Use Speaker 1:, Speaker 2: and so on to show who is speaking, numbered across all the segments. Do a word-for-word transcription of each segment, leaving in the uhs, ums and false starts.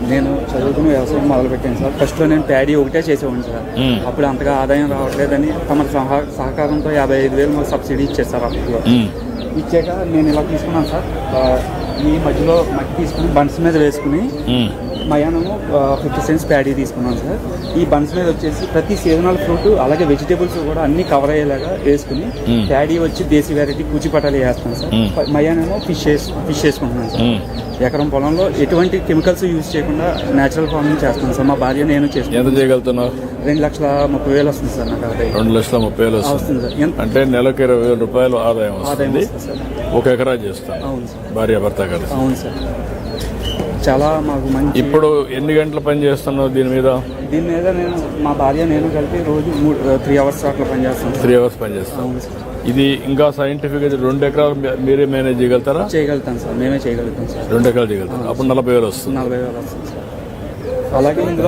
Speaker 1: నేను చదువుకుని వ్యవసాయం మొదలుపెట్టాను సార్. ఫస్ట్లో నేను ప్యాడీ ఒకటే చేసేవాడిని సార్. అప్పుడు అంతగా ఆదాయం రావట్లేదని తమ సహా సహకారంతో యాభై ఐదు వేలు మాకు సబ్సిడీ ఇచ్చారు సార్. అప్పుడు ఇచ్చాక నేను ఇలా తీసుకున్నాను సార్. ఈ మధ్యలో మట్టి తీసుకుని బన్స్ మీద వేసుకుని మయానము ఫిఫ్టీ సెంట్స్ ప్యాడీ తీసుకున్నాను సార్. ఈ బన్స్ మీద వచ్చేసి ప్రతి సీజనల్ ఫ్రూట్ అలాగే వెజిటేబుల్స్ కూడా అన్ని కవర్ అయ్యేలాగా వేసుకుని ప్యాడీ వచ్చి దేశీ వెరైటీ కూచిపటాలు వేస్తాను సార్. మయానేమో ఫిష్ ఫిష్ వేసుకుంటున్నాను సార్. ఎకరం పొలంలో ఎటువంటి కెమికల్స్ యూజ్ చేయకుండా నేచురల్ ఫార్మింగ్ చేస్తాను సార్. మా భార్య నేను చేసుకుంటాను. రెండు లక్షల ముప్పై వేలు వస్తుంది సార్ నాకు ఆదాయం.
Speaker 2: రెండు లక్షల ముప్పై వేలు వస్తుంది సార్. అంటే నెలకు ఇరవై వేల రూపాయలు ఆదాయం ఆదాయం సార్. ఒక ఎకరా చేస్తాను. అవును సార్. భార్య భర్త కలిసి.
Speaker 1: అవును సార్. చాలా మాకు మంచి.
Speaker 2: ఇప్పుడు ఎన్ని గంటలు పని చేస్తున్నావు దీని మీద?
Speaker 1: దీని మీద నేను మా భార్య నేను కలిపి రోజు త్రీ అవర్స్ అట్లా పని చేస్తాను.
Speaker 2: త్రీ అవర్స్ పని చేస్తాను. ఇది ఇంకా సైంటిఫిక్ అయితే రెండు ఎకరాలు మీరే మేనేజ్ చేయగలుగుతారా?
Speaker 1: చేయగలుగుతాం సార్, మేమే చేయగలుగుతాం సార్.
Speaker 2: రెండు ఎకరాలు చేయగలుగుతాం. అప్పుడు నలభై వేలు వస్తుంది.
Speaker 1: నలభై వేలు వస్తుంది సార్. అలాగే ఇందులో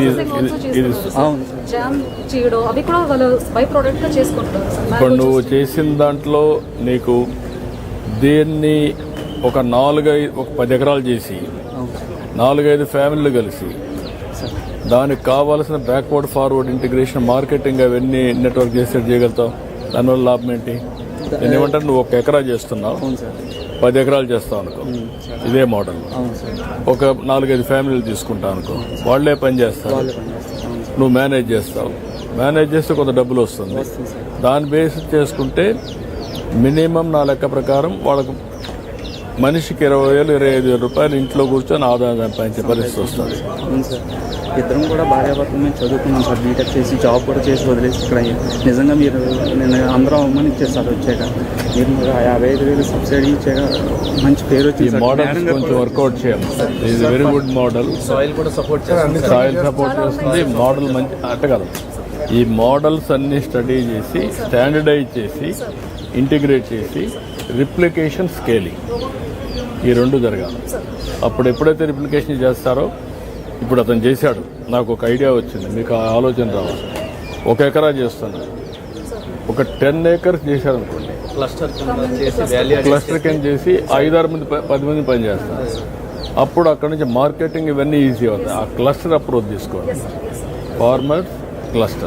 Speaker 2: ఇప్పుడు నువ్వు చేసిన దాంట్లో నీకు దీన్ని ఒక నాలుగైదు ఒక పది ఎకరాలు చేసి నాలుగైదు ఫ్యామిలీలు కలిసి దానికి కావాల్సిన బ్యాక్వర్డ్ ఫార్వర్డ్ ఇంటిగ్రేషన్ మార్కెటింగ్ అవన్నీ నెట్వర్క్ చేసి చేయగలుగుతావు. దానివల్ల లాభం ఏంటి? నేను ఏమంటాను, నువ్వు ఒక ఎకరా చేస్తున్నావు, పది ఎకరాలు చేస్తావు అనుకో, ఇదే మోడల్. ఒక నాలుగైదు ఫ్యామిలీలు తీసుకుంటావు అనుకో, వాళ్లే పని చేస్తారు, నువ్వు మేనేజ్ చేస్తావు. మేనేజ్ చేస్తే కొంత డబ్బులు వస్తుంది. దాన్ని బేస్ చేసుకుంటే మినిమం నా లెక్క ప్రకారం వాళ్ళకు మనిషికి ఇరవై వేలు ఇరవై ఐదు వేల రూపాయలు ఇంట్లో కూర్చొని ఆదాయం సంపాదించే పరిస్థితి వస్తుంది.
Speaker 1: ఇద్దరం కూడా భార్యాభర్తలు మేము చదువుకున్నాం సార్. బీటెక్ చేసి జాబ్ కూడా చేసి వదిలేసి ఇక్కడ నిజంగా మీరు నేను అందరం అమ్మని ఇచ్చారు సార్. వచ్చాక మీరు యాభై ఐదు వేలు సబ్సిడీ ఇచ్చాక మంచి పేరు వచ్చింది.
Speaker 2: మోడల్ కొంచెం వర్కౌట్ చేయాలి. ఇది వెరీ గుడ్ మోడల్.
Speaker 1: సాయిల్ కూడా సపోర్ట్ చేస్తుంది.
Speaker 2: సాయిల్ సపోర్ట్ చేస్తుంది. మోడల్ మంచి అట్ట కదా. ఈ మోడల్స్ అన్ని స్టడీ చేసి స్టాండర్డైజ్ చేసి ఇంటిగ్రేట్ చేసి రిప్లికేషన్ స్కేలింగ్ ఈ రెండు జరగాలి. అప్పుడు ఎప్పుడైతే రిప్లికేషన్ చేస్తారో, ఇప్పుడు అతను చేశాడు, నాకు ఒక ఐడియా వచ్చింది, మీకు ఆ ఆలోచన రావాలి. ఒక ఎకరా చేస్తాను, ఒక టెన్ ఏకర్స్ చేశారు అనుకోండి, క్లస్టర్ కింద చేసి ఐదారు మంది పది మంది పని చేస్తారు. అప్పుడు అక్కడ నుంచి మార్కెటింగ్ ఇవన్నీ ఈజీ అవుతాయి. ఆ క్లస్టర్ అప్రోచ్ తీసుకోవాలి. ఫార్మర్స్ క్లస్టర్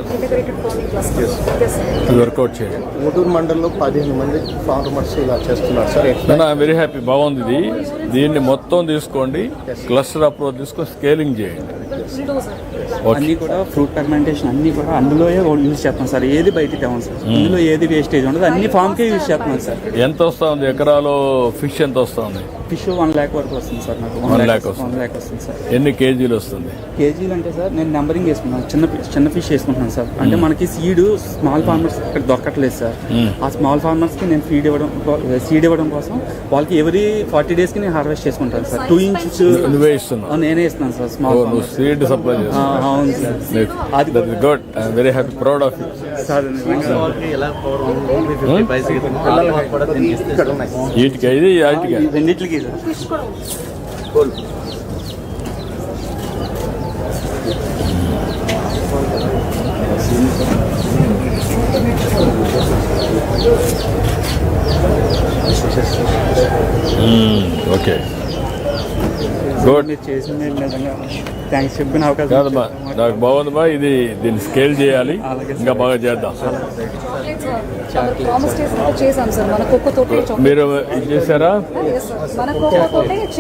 Speaker 2: వర్కౌట్ చేయండి.
Speaker 3: గుంటూరు మండలంలో పదిహేను మంది ఫార్మర్స్ ఇలా చేస్తున్నారు సార్.
Speaker 2: నేను ఐఎమ్ వెరీ హ్యాపీ. బాగుంది ఇది. దీన్ని మొత్తం తీసుకోండి, క్లస్టర్ అప్రోచ్ తీసుకొని స్కేలింగ్ చేయండి.
Speaker 1: అన్ని కూడా ఫ్రూట్ ఫర్మెంటేషన్ అన్ని కూడా అందులో యూజ్ చేస్తాం సార్. ఏది బయటికి తేవం సార్. ఇందులో ఏది వేస్టేజ్ ఉండదు, అన్ని ఫామ్ కే యూజ్ చేస్తున్నాం సార్.
Speaker 2: ఎంత వస్తా ఉంది ఎకరాలో ఫిష్? ఎంత వస్తా ఉంది
Speaker 1: ఫిష్? వన్ ల్యాక్ వరకు వస్తుంది సార్ నాకు.
Speaker 2: వన్ ల్యాక్ వస్తుంది.
Speaker 1: వన్ ల్యాక్ వస్తుంది సార్.
Speaker 2: ఎన్ని కేజీలు వస్తుంది?
Speaker 1: కేజీలు అంటే సార్ నేను నెంబరింగ్ వేసుకున్నాను. చిన్న చిన్న ఫిష్ వేసుకుంటున్నాను సార్. అంటే మనకి సీడ్ స్మాల్ ఫార్మర్స్ ఇక్కడ దొరకట్లేదు సార్. ఆ స్మాల్ ఫార్మర్స్ కి నేను ఫీడ్ ఇవ్వడం సీడ్ ఇవ్వడం కోసం వాళ్ళకి ఎవరీ ఫార్టీ డేస్ కి నేను హార్వెస్ట్ చేసుకుంటాను సార్. టూ ఇంచెస్
Speaker 2: నువ్వే ఇస్తున్నావు?
Speaker 1: నేనే ఇస్తున్నాను సార్. స్మాల్
Speaker 2: సీడ్ సప్లై చేస్తాను.
Speaker 1: అవును సార్.
Speaker 2: అది good. I'm very happy, proud of you sir. వీటికి ఇది వాటికి
Speaker 1: రెండింటికి సార్.
Speaker 2: Okay
Speaker 1: good. మీరు చేసింది నిజంగా థ్యాంక్స్ చెప్పిన అవకాశం
Speaker 2: కాదమ్మా, నాకు బాగుంది బా. ఇది దీన్ని స్కేల్ చేయాలి, ఇంకా బాగా చేద్దాం. మీరు ఇది చేశారా?